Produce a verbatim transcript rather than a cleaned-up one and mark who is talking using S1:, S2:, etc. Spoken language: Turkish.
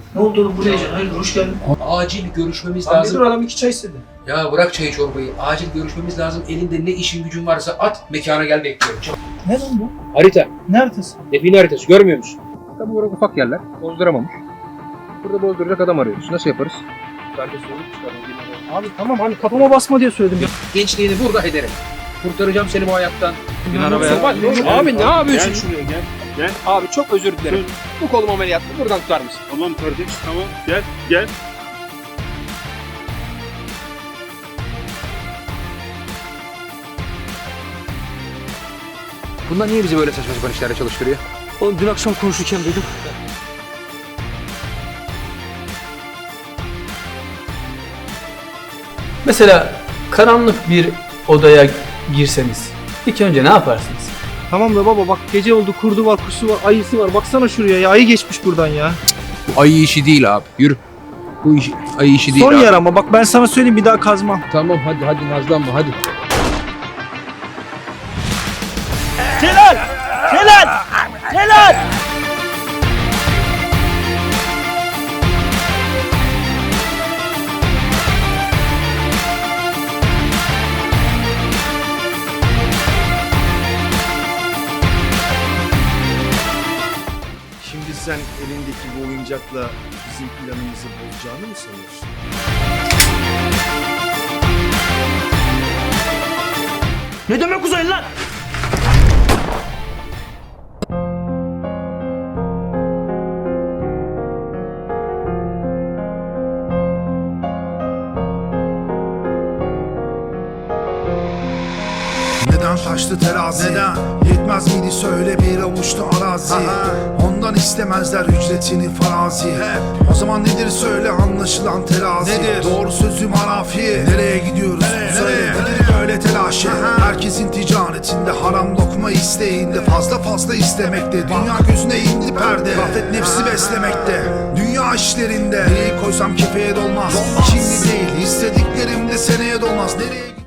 S1: Ne oldu oğlum, buraya can? Hayır, hoş geldin.
S2: Acil görüşmemiz
S1: Abi
S2: lazım.
S1: dur, adam iki çay istedi.
S2: Ya bırak çayı çorbayı. Acil görüşmemiz lazım. Elinde ne işin gücün varsa at. Mekana gel, bekliyorum. Çabuk.
S1: Ne lan bu?
S2: Harita.
S1: Ne haritası?
S2: Define haritası. Görmüyor musun? Tabi burada ufak yerler. Bozduramamış. Burada bozduracak adam arıyoruz. Nasıl yaparız? Ben de sorup çıkarım.
S1: Abi tamam, hani kafama basma diye söyledim ya.
S2: Gençliğini burada ederim. Kurtaracağım seni bu hayattan.
S1: Bin
S2: arabaya. Abi ne yapıyorsun?
S3: Gel şuraya gel. Gel.
S2: Abi çok özür dilerim. Bu kolum ameliyatlı. Buradan tutar mısın?
S3: Tamam kardeş tamam. Gel gel.
S2: Bunlar niye bizi böyle saçma sapan işlerle çalıştırıyor?
S1: Oğlum dün akşam konuşurken duydum. Mesela karanlık bir odaya girseniz ilk önce ne yaparsınız?
S4: Tamam da baba bak, gece oldu, kurdu var, kuşu var, ayısı var. Baksana şuraya ya, ayı geçmiş buradan ya.
S2: Bu ayı işi değil abi. Yürü. Bu iş, ayı işi değil
S4: Son
S2: abi.
S4: yer ama bak, ben sana söyleyeyim, bir daha kazmam.
S2: Tamam hadi hadi nazlanma hadi.
S4: Celal! Celal! Celal!
S5: Şimdi sen elindeki bu oyuncakla bizim planımızı bozacağını mı sanıyorsun?
S1: Ne demek uzaylı lan?
S6: Neden taştı terazi? Neden? Yetmez miydi söyle bir avuçta arazi? Aha. Ondan istemezler ücretini farazi. Hep. O zaman nedir söyle anlaşılan terazi? Nedir? Doğru sözü marafi. Nereye gidiyoruz? Nereye? Söyle. Nereye? Nedir böyle telaşı? Aha. Herkesin ticaretinde, haram lokma isteğinde, fazla fazla istemekte. Dünya gözüne indi perde. Gaflet nefsi beslemekte. Dünya işlerinde neyi koysam kefeye dolmaz. Dolmaz. Şimdi değil, istediklerim de seneye dolmaz. Nereye